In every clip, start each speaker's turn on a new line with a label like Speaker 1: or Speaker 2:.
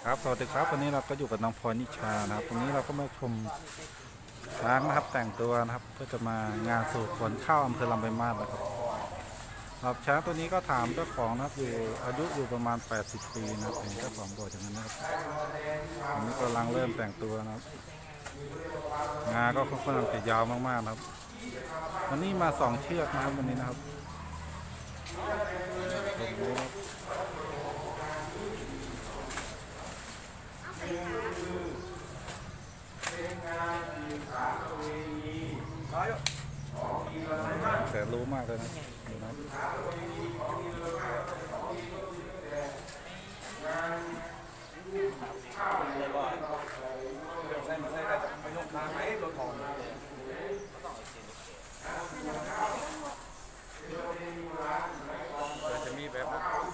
Speaker 1: ครับสวัสดีครับวันนี้เราก็อยู่กับน้องพลอยนิชานะครับวันนี้เราก็มาชมช้างนะครับแต่งตัวนะครับเพื่อจะมางานสู่ขนข้าวอำเภอลำปางมาศนะครับครับช้างตัวนี้ก็ถามเจ้าของนะครับอยู่อายุอยู่ประมาณ80 ปีนะครับเห็นเจ้าของบอกอย่างนั้นนะครับอันนี้กำลังเริ่มแต่งตัวนะครับงาก็ค่อนข้างจะยาวมากๆนะครับวันนี้มา2 เชือกนะครับวันนี้นะครับแต่รู้มากเลยนะดูนะจะมีแบบ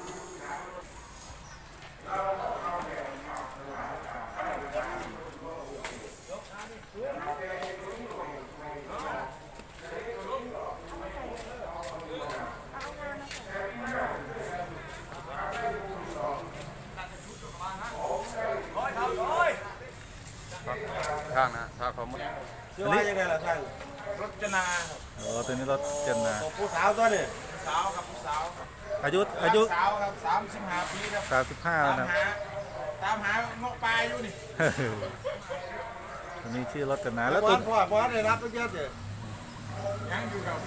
Speaker 1: ข้างนะถ้าเขา
Speaker 2: ชื่อว่ายังไงล่ะท่านรจนา
Speaker 1: ตัวนี้รถเจนนะ
Speaker 2: ผู้สาวตัวนี้
Speaker 3: สาวครับสาวครับ
Speaker 1: อายุ
Speaker 3: สาวครับ35 ปีครับ
Speaker 1: 35นะ
Speaker 3: ตามหานกปลาอยู่นี่
Speaker 1: ตัวนี้ชื่อรถเจนนะ
Speaker 2: แล้วตัวพ่อได้รับไปเยอะเลย
Speaker 3: ยังอยู่ครับ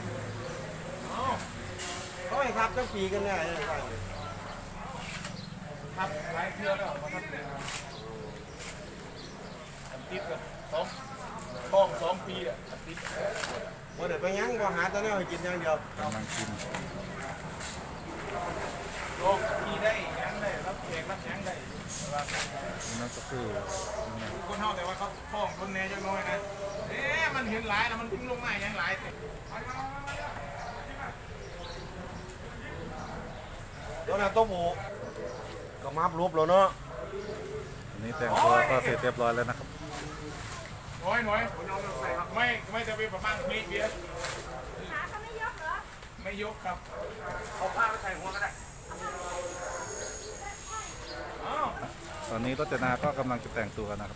Speaker 2: เขาให้ทับตั้งปีกันแน่เลย
Speaker 3: ครับหลายเทื่อแล้วมาทับเลยครับติดกับท้อง2 ปีอ่ะติด
Speaker 2: วันเดี๋ยวไปยังพอหาตอนนี้ให้กินอย่างเดียว
Speaker 1: กำลังกิน
Speaker 3: ท้องปีได้ยังได้รับแขกรับยังได้
Speaker 1: นั่นก็คือ
Speaker 3: คนเท่าแต่ว่าเขาท้องคนแน่จังน้อยนะมันเห็นหลายแล้วมันทิ้งลงมายังหลาย
Speaker 2: ตัวนั้นตัวหมูก็มารูปแล้วเนาะ
Speaker 1: อันนี้แต่งตัวก็เสร็จเรียบร้อยแล้วนะครับ
Speaker 3: น้อยไม่จะเป็นประมาณเมตรเดียว
Speaker 4: ขาเขาไม่ยกเหรอ
Speaker 3: ไม่ยกครับ
Speaker 2: เอาผ้าไปใส่หัวก็ได้
Speaker 1: ตอนนี้รจนาก็กำลังจะแต่งตัวนะครับ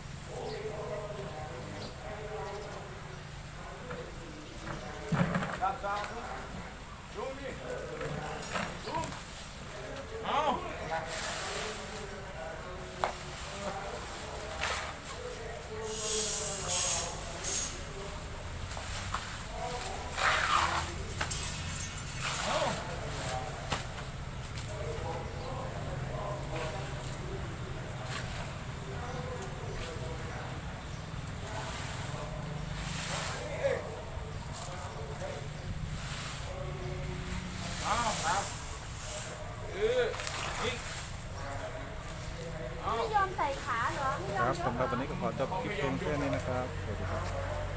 Speaker 4: ไม่ยอมใส่ขาเหรอไม่ยอม
Speaker 1: ครับสำหรับวันนี้ก็ขอจบคลิปเพียงแค่นี้นะครับสวัสดีครับ